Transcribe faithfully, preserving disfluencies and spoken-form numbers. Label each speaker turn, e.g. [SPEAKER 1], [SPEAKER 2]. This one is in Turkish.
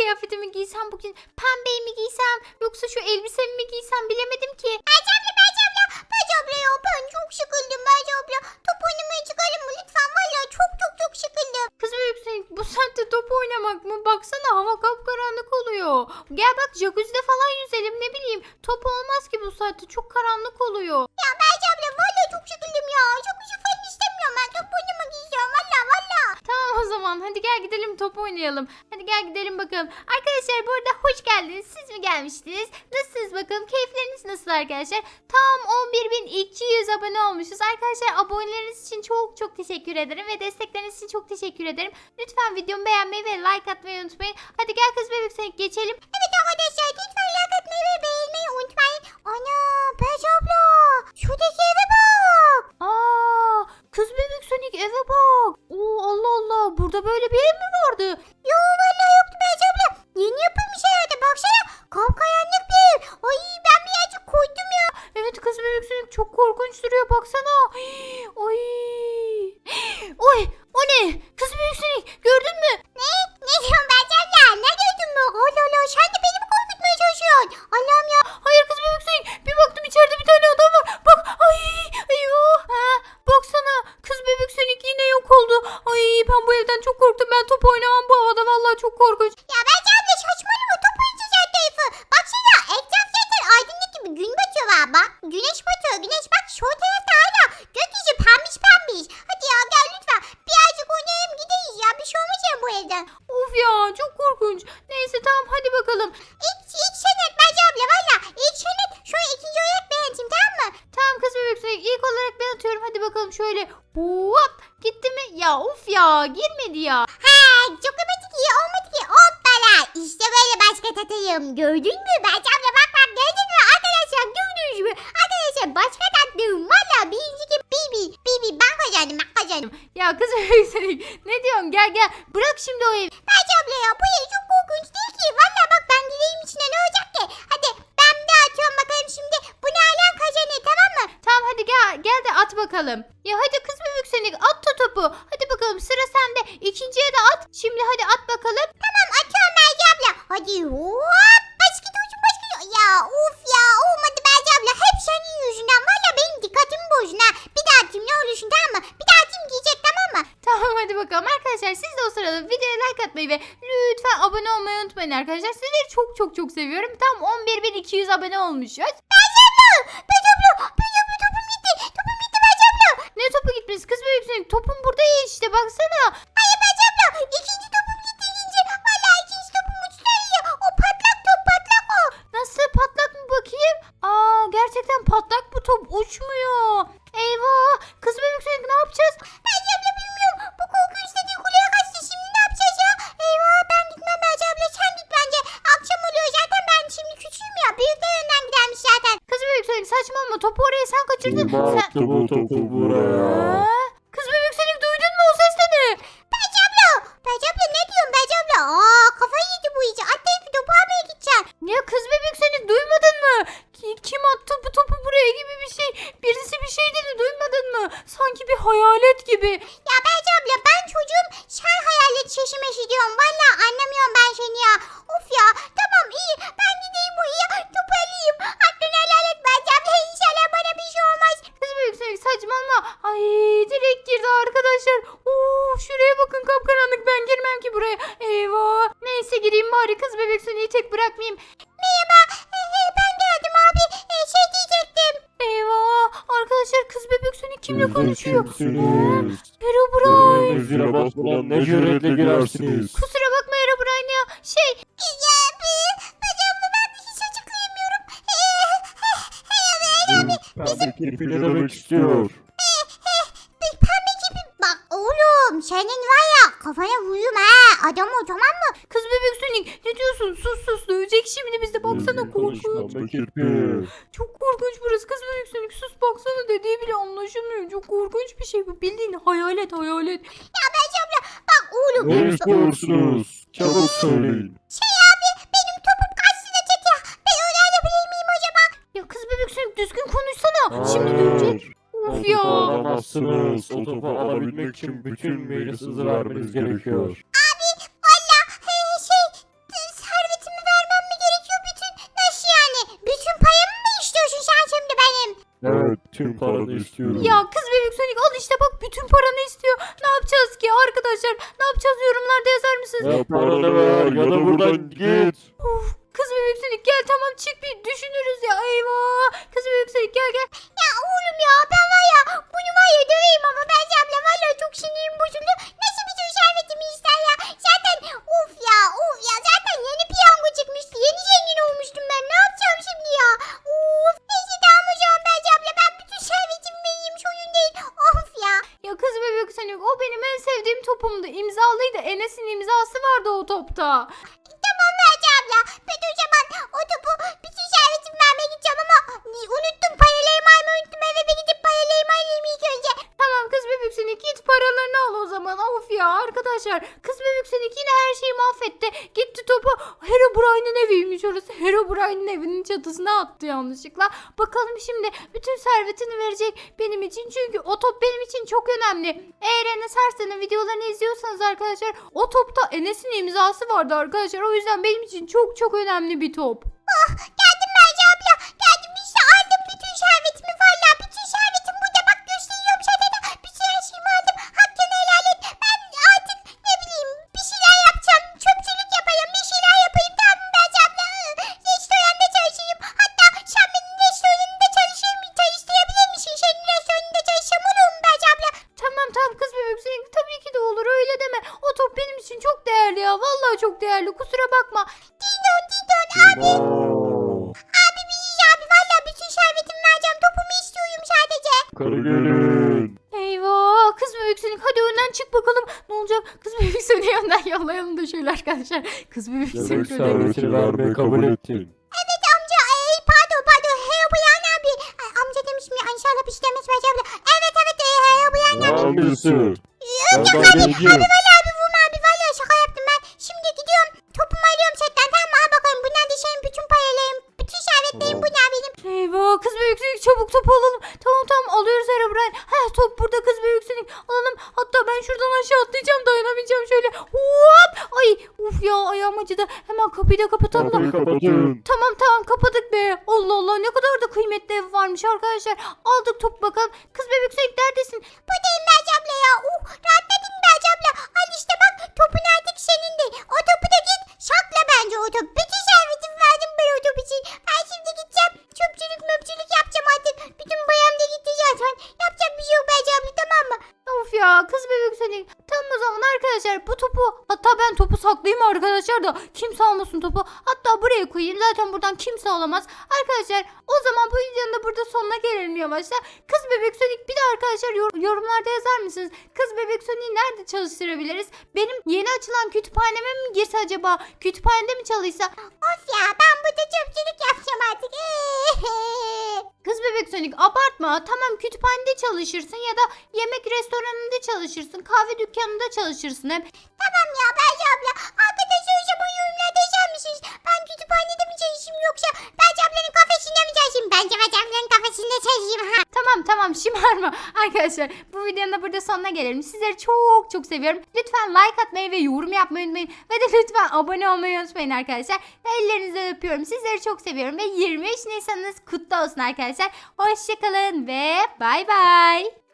[SPEAKER 1] kıyafetimi giysem bugün, pembeyi mi giysem yoksa şu elbisemi mi giysem bilemedim ki.
[SPEAKER 2] Bence abla bence abla. Bence abla ya ben çok sıkıldım bence abla. Top oynamaya çıkalım mı lütfen? Valla çok çok çok sıkıldım.
[SPEAKER 1] Kız Bebek Sonic bu saatte top oynamak mı? Baksana hava kapkaranlık oluyor. Gel bak jacuzzi'de falan yüzelim, ne bileyim. Top olmaz ki bu saatte, çok karanlık oluyor.
[SPEAKER 2] Ya bence abla valla çok sıkıldım ya. Çok bir şey falan istemiyorum ben. Top oynamak istiyorum valla valla.
[SPEAKER 1] Tamam o zaman hadi gel gidelim top oynayalım. Hadi gel gidelim bakalım. Arkadaşlar bu arada hoş geldiniz. Siz mi gelmiştiniz? Nasılsınız bakalım? Keyifleriniz nasıl arkadaşlar? Tam on bir bin iki yüz abone olmuşuz. Arkadaşlar aboneleriniz için çok çok teşekkür ederim. Ve destekleriniz için çok teşekkür ederim. Lütfen videomu beğenmeyi ve like atmayı unutmayın. Hadi gel Kız Bebek Sonic geçelim.
[SPEAKER 2] Evet arkadaşlar lütfen like atmayı ve beğenmeyi unutmayın. Ana Bence abla. Şuradaki eve bak.
[SPEAKER 1] Aa, Kız Bebek Sonic eve bak. Oo, Allah Allah, burada böyle bir ev mi vardı?
[SPEAKER 2] Yo valla yoktu Bence abla. Yeni yapılmış herhalde baksana. Kapkaranlık bir ev. Ay ben birazcık korktum ya.
[SPEAKER 1] Evet Kız Bebek Sonic çok korkunç duruyor, baksana. Oy. Oy, o ne? Kız Bebek Sonic gördün mü?
[SPEAKER 2] Ne? Ne diyorsun Bence abla? Ne gördün mü? Allah Allah sen de beni mi korkutmaya çalışıyorsun? Allah'ım ya.
[SPEAKER 1] Hayır Kız Bebek Sonic, bir baktım içeride bir tane adam var. Bak, ay, eyvah. Ha, baksana Kız Bebek Sonic yine yok oldu. Ay ben bu evden çok korktum. Ben top oynamam bu havada, vallahi çok korkunç.
[SPEAKER 2] Ya Bence abla saçmalama top oynayacağız her tarafı. Baksana etraf zaten aydınlık gibi gün batıyor var bak. Güneş batıyor güneş bak şu tarafta hala. Gökyüzü pembiş pembiş. Hadi ya gel lütfen. Birazcık oynayalım gideriz ya. Bir şey olmaz ya bu evden.
[SPEAKER 1] Of ya, çok korkunç. Neyse tamam hadi bakalım.
[SPEAKER 2] İlk, ilk senet Bence abla valla. İlk senet şöyle ikinci olarak beğendim tamam mı?
[SPEAKER 1] Tamam Kız Bebek Sonic, ilk olarak ben atıyorum. Hadi bakalım şöyle. Hop, gitti mi? Ya of ya, girmedi ya.
[SPEAKER 2] Ha çok amatik iyi olmadı ki. Hoppala. İşte böyle başka tatayım. Gördün mü Bence abla bak bak gördün mü? Arkadaşlar gördünüz mü? Arkadaşlar başka tatlım. Valla birinci kim? Bibi. Bibi ben kazandım ben kazandım.
[SPEAKER 1] Ya Kız Bebek Sonic ne diyorsun? Gel gel, bırak şimdi o evi.
[SPEAKER 2] Bence abla ya bu yer çok korkunç değil ki. Valla bak ben dileğim içine ne olacak ki? Hadi ben de atıyorum bakalım şimdi. Bu ne alan kazanır tamam mı?
[SPEAKER 1] Tamam hadi gel, gel de at bakalım. Ya hadi Kız Bebek Sonic, at da topu. Hadi bakalım, sıra sende. İkinciye de at. Şimdi hadi at bakalım.
[SPEAKER 2] Tamam atıyorum Bence abla. Hadi hop. Başka uçun başka. Ya of ya olmadı Bence abla. Hep senin yüzünden. Valla benim dikkatimi bozdun ha. Bir daha atayım ne olursun tamam mı? Bir daha atayım giyecek tamam mı?
[SPEAKER 1] Tamam hadi bakalım. Arkadaşlar siz de o sırada videoya like atmayı ve lütfen abone olmayı unutmayın arkadaşlar. Sizleri çok çok çok seviyorum. Tam on bir bin iki yüz abone olmuşuz.
[SPEAKER 2] Bence abla. Bence abla. Bence abla topum gitti. Topum gitti Bence abla.
[SPEAKER 1] Ne topu gitmesi Kız Bebek Sonic? Topun burada ya işte, baksana.
[SPEAKER 2] Hayır Bence abla. İkinci topum gitti ikinci. Valla ikinci topum uçtu ya. O patlak top patlak o.
[SPEAKER 1] Nasıl, patlak mı bakayım? Aa, gerçekten patlak bu top, uçmuyor. Eyvah. Kız Bebek Sonic ne yapacağız?
[SPEAKER 2] Bence abla bilmiyorum. Bu korkunç dediği kuleye kaçtı. Şimdi ne yapacağız ya? Eyvah ben gitmem Bence abla. Sen git bence. Akşam oluyor zaten ben şimdi küçüğüm ya. Büyükler önden gidermiş zaten.
[SPEAKER 1] Kız Bebek Sonic saçmalama, topu oraya sen kaçırdın.
[SPEAKER 3] Kim
[SPEAKER 1] Sen...
[SPEAKER 3] attı bu topu buraya?
[SPEAKER 1] Ha? Kız Bebek Sonic duydun mu, o ses de ne?
[SPEAKER 2] Bence abla. Bence abla ne diyorsun Bence abla? Aa kafayı yedi bu iyice. Atlayıp bir topu almaya gideceğim.
[SPEAKER 1] Ya Kız Bebek Sonic duymadın mı? Ki- Kim attı bu topu buraya gibi bir şey. Birisi bir şey dedi, duymadın mı? Sanki bir hayalet gibi.
[SPEAKER 2] Ya Bence abla ben çocuğum. Sen hayalet şaşırmış diyorum. Valla anlamıyorum ben seni ya. Of ya. Tamam iyi. Ben gideyim buraya. Topu alayım. Hakkını helal et Bence abla. İnşallah bana bir şey olmaz.
[SPEAKER 1] Kız Bebek Sonic saçmalama. Ay direkt girdi arkadaşlar. Oo, şuraya bakın, kapkaranlık, ben girmem ki buraya. Eyvah. Neyse gireyim bari, Kız Bebek Sonic'i tek bırakmayayım.
[SPEAKER 2] Merhaba. Ee, e, ben geldim abi. Ee, şey diyecektim.
[SPEAKER 1] Eyvah. Arkadaşlar Kız Bebek Sonic kimle
[SPEAKER 3] Siz de
[SPEAKER 1] konuşuyor?
[SPEAKER 3] kimsiniz?
[SPEAKER 1] Herobrine.
[SPEAKER 3] Evime zile basmadan ne cüretle girersiniz?
[SPEAKER 1] Kusura bakma Herobrine ya. Şey,
[SPEAKER 2] Ya abi. Bence abla ben hiç açıklayamıyorum. Ee,
[SPEAKER 3] Pembe kirpi ne demek istiyor?
[SPEAKER 2] Pembe gibi. Bak oğlum senin var ya kafana vururum ha. Adam o tamam mı?
[SPEAKER 1] Kız Bebek Sonic ne diyorsun? Sus sus, dövecek şimdi bizi, baksana korkunç.
[SPEAKER 3] Pembe kirpi.
[SPEAKER 1] Çok korkunç burası. Kız Bebek Sonic sus, baksana, dediği bile anlaşılmıyor. Çok korkunç bir şey bu, bildiğin hayalet hayalet.
[SPEAKER 2] Ya Bence abla bak oğlum.
[SPEAKER 3] Ne istiyorsunuz? Çabuk söyleyin.
[SPEAKER 2] Şey abi benim topum kaçtı da çek ya. Ben onu alabilir miyim acaba?
[SPEAKER 1] Ya Kız Bebek Sonic düzgün konuşsana. Şimdi dövecek.
[SPEAKER 3] O
[SPEAKER 1] Of
[SPEAKER 3] topu
[SPEAKER 1] ya.
[SPEAKER 3] alamazsınız. O topu alabilmek için bütün meylis hızı vermeniz gerekiyor.
[SPEAKER 2] Abi valla he, şey
[SPEAKER 3] Tüm paranı istiyorum.
[SPEAKER 1] Ya kız bebek Sonic al işte bak bütün paranı istiyor. Ne yapacağız ki arkadaşlar? Ne yapacağız yorumlarda yazar mısınız?
[SPEAKER 3] Ya paranı ver ya da buradan git.
[SPEAKER 1] Uf, kız bebek Sonic gel tamam çık bir düşünürüz ya eyvah. Kız bebek Sonic gel gel.
[SPEAKER 2] Ya oğlum ya ben var ya bunu var ya döveyim ama ben abla valla çok sinirim bozuldu. Nasıl bir tür servetimi ister ya? Zaten of ya of ya zaten yeni piyango çıkmıştı. Yeni zengin olmuştum ben. Ne yapacağım şimdi ya? Of neyse tamam o zaman ben abla ben bütün servetimi vereyim oyun değil. Of ya.
[SPEAKER 1] Ya kız bebek Sonic o benim en sevdiğim topumdu. İmzalıydı. Enes'in imzası vardı o topta.
[SPEAKER 2] Tamam Merce abla. Ben o zaman o topu bütün servetimi vermeye gideceğim ama unuttum paralarımı almayı unuttum. Eve bir gidip paralarımı alayım ilk önce.
[SPEAKER 1] Tamam kız bebek Sonic git paralarını al o zaman. Of ya arkadaşlar. Kız bebek Sonic yine her şeyi mahvetti. Gitti topu Herobrine'in eviymiş orası. Herobrine'in evinin çatısına attı yanlışlıkla. Bakalım şimdi bütün servetini verecek benim için. Çünkü o top benim için çok önemli. Eğer Enes Arslan'ın videolarını izliyorsanız arkadaşlar o topta Enes'in imzası vardı arkadaşlar. O yüzden benim için çok çok önemli bir top.
[SPEAKER 2] Geldim Merce abla. Geldim işte aldım bütün servetimi. Valla bütün servetim burada bak gösteriyorum sana da. Bütün her şeyimi aldım. Hakkını helal et. Ben artık ne bileyim bir şeyler yapacağım. Çöpçülük yapayım. Bir şeyler yapayım. Tamam mı Merce abla? Restoranda çalışayım. Hatta sen benim restoranında çalışayım. Çalıştırabilir misin? Senin restoranında çalışsam olur mu Merce abla?
[SPEAKER 1] Tamam tamam kız bebek Sonic tabii ki de olur öyle deme. O top benim için çok değerli ya. Vallahi çok değerli. Kusura bakma.
[SPEAKER 2] Didon Didon abi.
[SPEAKER 3] Aa,
[SPEAKER 2] Abi biziz abi. Valla bütün servetimi vereceğim. Topumu istiyorum sadece.
[SPEAKER 3] Yukarı gelin.
[SPEAKER 1] Eyvah kız bebek Sonic hadi önden çık bakalım. Ne olacak? Kız bebek Sonic'i önden yollayalım da şöyle arkadaşlar. Kız bebek
[SPEAKER 3] Demek
[SPEAKER 1] Sonic önden gitsin.
[SPEAKER 3] servetini vermeyi kabul ettin.
[SPEAKER 2] Evet amca. Ey pardon pardon. Hey Bayan abi. Ay, amca demiş mi? İnşallah bir şey demez Merce abla. Evet evet. Hey Bayan abi.
[SPEAKER 3] Hangisi?
[SPEAKER 2] Yok
[SPEAKER 3] Ben
[SPEAKER 2] yok abi.
[SPEAKER 3] geleceğim.
[SPEAKER 2] Abi valla abi vurma abi. Valla şaka yaptım ben. Şimdi gidiyorum. Topumu alıyorum setten. Tamam mı? Al bakalım. Bunlar da senin bütün paralarım. Bütün servetlerim bunlar benim.
[SPEAKER 1] Eyvah kız bebek Sonic çabuk topu alalım. Tamam tamam alıyoruz Herobrine. Ha top burada kız bebek Sonic alalım. Hatta ben şuradan aşağı atlayacağım dayanamayacağım şöyle. Hop. Ay uf ya ayağım acıdı. Hemen kapıyı da kapatalım.
[SPEAKER 3] Kapıyı kapatın.
[SPEAKER 1] Tamam tamam kapadık be. Allah Allah ne kadar da kıymetli ev varmış arkadaşlar. Aldık top bakalım. Kız bebek Sonic neredesin?
[SPEAKER 2] Buradayım Merce abla ya. Uh rahatladın Merce abla. Al işte bak topun artık senin değil. O topu da git sakla bence o top. Bütün servetimi verdim ben o top için. Ben şimdi gideceğim. Çöpçülük möpçülük yapacağım artık. Bütün bayam da gitti zaten. Yapacak bir şey yok Merce abla tamam mı?
[SPEAKER 1] Of ya kız bebek Sonic. Tamam o zaman arkadaşlar bu topu hatta ben topu saklayayım arkadaşlar da kimse almasın topu. Hatta buraya koyayım zaten buradan kimse alamaz. Arkadaşlar o zaman bu videonun da burada sonuna gelelim yavaşça. Kız bebek Sonic bir de arkadaşlar yor- yorumlarda yazar mısınız? Kız bebek Sonic'i nerede çalıştırabiliriz? Benim yeni açılan kütüphaneme mi girse acaba? Kütüphanede mi çalışsa?
[SPEAKER 2] Of ya ben burada çöpçülük yapacağım artık.
[SPEAKER 1] Kız bebek Sonic abartma. Tamam kütüphanede çalışırsın ya da yemek restoranında çalışırsın. Kahve dükkanında çalışırsın hep.
[SPEAKER 2] Tamam ya Merce abla. Arkadaşlar o zaman yorumlarda yazar mısınız? Ben kütüphanede mi çalışayım yoksa Merce ablanın kafesinde mi çalışayım? Bence Merce ablanın kafesinde çalışayım ha.
[SPEAKER 1] Tamam tamam şımarma. Arkadaşlar bu videonun da burada sonuna gelelim. Sizleri çok çok seviyorum. Lütfen like atmayı ve yorum yapmayı unutmayın. Ve de lütfen abone olmayı unutmayın arkadaşlar. Ellerinizden öpüyorum. Sizleri çok seviyorum. Ve yirmi beş Nisan'ınız kutlu olsun arkadaşlar. Hoşçakalın ve bay bay.